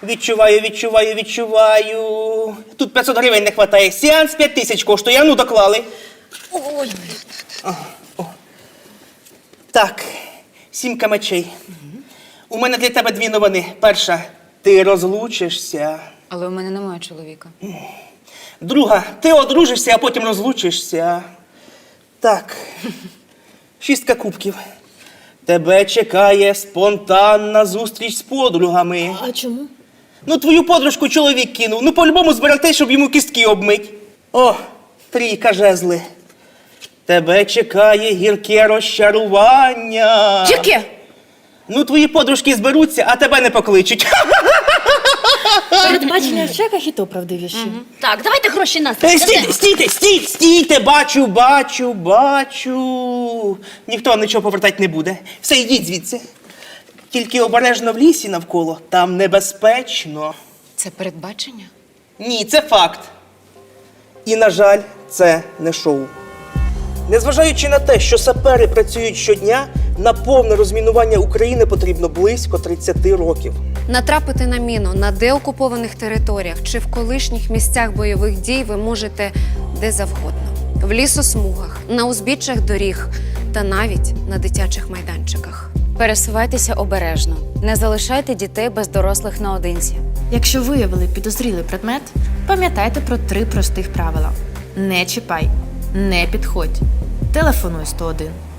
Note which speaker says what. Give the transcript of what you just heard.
Speaker 1: Відчуваю. Тут 500 гривень не вистачає. Сеанс 5000 коштує, а ну доклали.
Speaker 2: Ой,
Speaker 1: Так, 7 мечей. У мене для тебе 2 новини. Перша, ти розлучишся.
Speaker 2: але у мене немає чоловіка.
Speaker 1: Друга, ти одружишся, а потім розлучишся. Так, 6 кубків. Тебе чекає спонтанна зустріч з подругами.
Speaker 3: А чому?
Speaker 1: Ну, твою подружку чоловік кинув. Ну, по-любому збирайте, щоб йому кістки обмить. О, 3 жезли. Тебе чекає гірке розчарування.
Speaker 3: Яке?
Speaker 1: Ну, твої подружки зберуться, а тебе не покличуть.
Speaker 3: Передбачення в чеках і то правдивіші.
Speaker 2: Так, давайте гроші нас.
Speaker 1: Стійте, бачу. Ніхто нічого повертати не буде. Все, йдіть звідси. Тільки обережно в лісі навколо, там небезпечно.
Speaker 2: Це передбачення?
Speaker 1: Ні, це факт. І, на жаль, це не шоу. Незважаючи на те, що сапери працюють щодня, на повне розмінування України потрібно близько 30 років.
Speaker 4: Натрапити на міну на деокупованих територіях чи в колишніх місцях бойових дій ви можете де завгодно. В лісосмугах, на узбіччях доріг та навіть на дитячих майданчиках.
Speaker 2: Пересувайтеся обережно. Не залишайте дітей без дорослих наодинці.
Speaker 3: Якщо виявили підозрілий предмет, пам'ятайте про 3 простих правила. Не чіпай, не підходь, телефонуй 101.